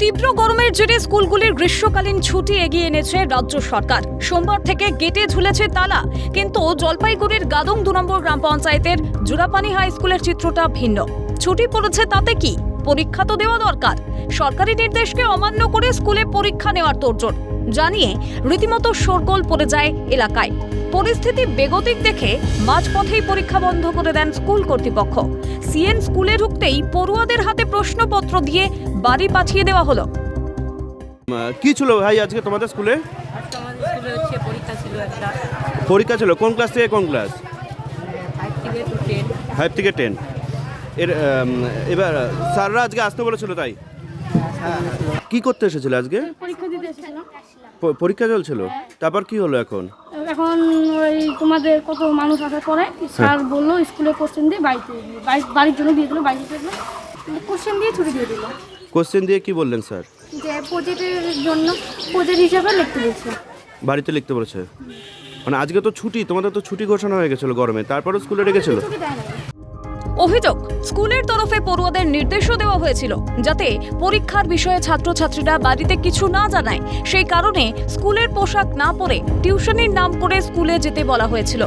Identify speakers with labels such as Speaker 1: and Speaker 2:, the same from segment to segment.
Speaker 1: তীব্র গরমের জেরে স্কুলগুলির গ্রীষ্মকালীন ছুটি এগিয়ে এনেছে রাজ্য সরকার। সোমবার থেকে গেটে ঝুলেছে তালা, কিন্তু জলপাইগুড়ির গাদং 2 নম্বর গ্রাম পঞ্চায়েতের জুরাপানি হাই স্কুলের চিত্রটা ভিন্ন। ছুটি পড়েছে তাতে কি, পরীক্ষা তো দেওয়া দরকার। সরকারি নির্দেশকে অমান্য করে স্কুলে পরীক্ষা নেওয়ার তোড়জোড় জানিয়ে রীতিমতো শোরগোল পড়ে যায় এলাকায়। পরিস্থিতি বেগতিক দেখে মাঝপথেই পরীক্ষা বন্ধ করে দেন স্কুল কর্তৃপক্ষ। সিএন স্কুলে ঢুকতেই পড়ুয়াদের হাতে প্রশ্নপত্র দিয়ে বাড়ি পাঠিয়ে দেওয়া হলো।
Speaker 2: কি ছিল ভাই আজকে তোমাদের স্কুলে?
Speaker 3: পরীক্ষা ছিল একটা।
Speaker 2: পরীক্ষা ছিল কোন ক্লাস থেকে কোন ক্লাস? 5 থেকে 10। এবার স্যাররা আজকে আসতে বলেছিল তাই? কি করতে এসেছিল আজকে?
Speaker 4: পরীক্ষা দিতে এসেছিলাম।
Speaker 2: পরীক্ষা চলছিল, তারপর কি হলো এখন?
Speaker 4: এখন ওই তোমাদের কত মানুষ আসার পরে স্যার বললো স্কুলে কোশ্চেন দিয়ে বাড়ির জন্য দিয়ে দিল, বাড়িতে কোশ্চেন দিয়ে ছুটি দিয়ে দিল।
Speaker 2: কোশ্চেন দিয়ে কি বললেন স্যার?
Speaker 4: যে প্রজেক্টের জন্য প্রজেক্ট হিসাবে লিখতে বলছে।
Speaker 2: বাড়িতে লিখতে বলেছে? মানে আজকে তো ছুটি, তোমাদের তো ছুটি ঘোষণা হয়ে গেছিল গরমে, তারপরও স্কুলে রেখেছিল?
Speaker 4: ছুটি দেয় না।
Speaker 1: অভিযোগ, স্কুলের তরফে পড়ুয়াদের নির্দেশও দেওয়া হয়েছিল যাতে পরীক্ষার বিষয়ে ছাত্রছাত্রীরা বাড়িতে কিছু না জানায়। সেই কারণে স্কুলের পোশাক না পরে টিউশনির নাম করে স্কুলে যেতে বলা হয়েছিল।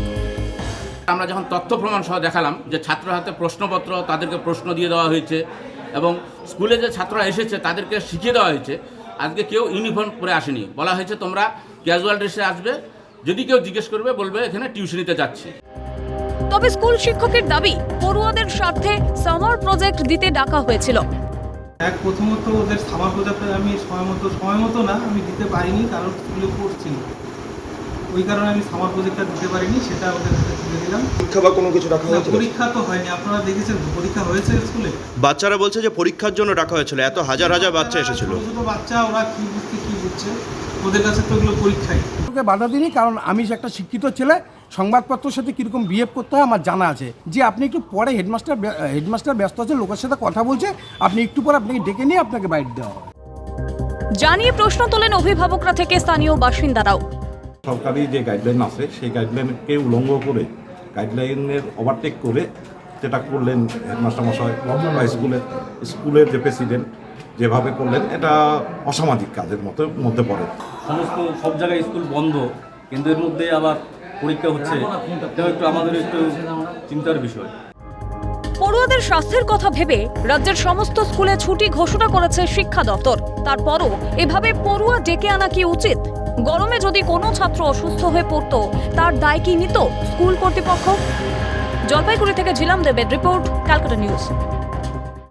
Speaker 5: আমরা যখন তথ্য প্রমাণ সহ দেখালাম যে ছাত্র হাতে প্রশ্নপত্র, তাদেরকে প্রশ্ন দিয়ে দেওয়া হয়েছে এবং স্কুলে যে ছাত্ররা এসেছে তাদেরকে শিখিয়ে দেওয়া হয়েছে। আজকে কেউ ইউনিফর্ম পরে আসেনি, বলা হয়েছে তোমরা ক্যাজুয়াল ড্রেসে আসবে, যদি কেউ জিজ্ঞেস করবে বলবে এখানে টিউশনিতে যাচ্ছি।
Speaker 1: তবে স্কুল শিক্ষকের দাবি, পড়ুয়াদের স্বার্থে সামার প্রজেক্ট দিতে ডাকা হয়েছিল।
Speaker 6: প্রথমত ওদের সামার প্রজেক্ট আমি সময় মতো না আমি দিতে পারিনি, কারণ স্কুলে পড়ছি, ওই কারণে আমি সামার প্রজেক্টটা দিতে পারিনি, সেটা ওদের কাছে তুলে দিলাম।
Speaker 2: পরীক্ষা বা কোনো কিছু রাখা হয়েছিল?
Speaker 6: পরীক্ষা তো হয়নি, আপনারা দেখেছেন পরীক্ষা হয়েছে স্কুলে?
Speaker 2: বাচ্চারা বলছে যে পরীক্ষার জন্য ডাকা হয়েছিল, এত হাজার হাজার বাচ্চা এসেছিল।
Speaker 6: ছোট বাচ্চা, ওরা কি বুঝছে, ওদের কাছে তো এগুলো পরীক্ষাই।
Speaker 7: ওকে বাধা দিইনি, কারণ আমি যে একটা শিক্ষিত ছেলে, সংবাদপত্রের সাথে কীরকম বিহেভ করতে হয় আমার জানা আছে। যে আপনি একটু পরে হেডমাস্টার ব্যস্ত আছে, লোকের সাথে কথা বলছে, আপনি একটু পরে আপনাকে ডেকে নিয়ে আপনাকে বাইট দেওয়া হবে
Speaker 1: জানিয়ে প্রশ্ন তোলেন অভিভাবকরা থেকে স্থানীয় বাসিন্দারাও।
Speaker 8: সরকারি যে গাইডলাইন আছে সেই গাইডলাইনকে উল্লঙ্ঘ করে, গাইডলাইনের ওভারটেক করে যেটা করলেন হেডমাস্টার মশাই বা স্কুলের যে প্রেসিডেন্ট যেভাবে করলেন, এটা অসামাজিক কাজের মধ্যে পড়ে।
Speaker 9: সব জায়গায় স্কুল বন্ধ, কিন্তু এর মধ্যে আবার পরীক্ষা হচ্ছে, এটাও একটু আমাদের একটু চিন্তার বিষয়।
Speaker 1: পড়ুয়াদের স্বাস্থ্যের কথা ভেবে রাজ্যের সমস্ত স্কুলে ছুটি ঘোষণা করেছে শিক্ষা দপ্তর। তারপরও এভাবে পড়ুয়া ডেকে আনা কি উচিত? গরমে যদি কোনো ছাত্র অসুস্থ হয়ে পড়তো, তার দায় কি নিত স্কুল কর্তৃপক্ষ? জলপাইগুড়ি থেকে ঝিলাম দেবের রিপোর্ট, ক্যালকাটা নিউজ।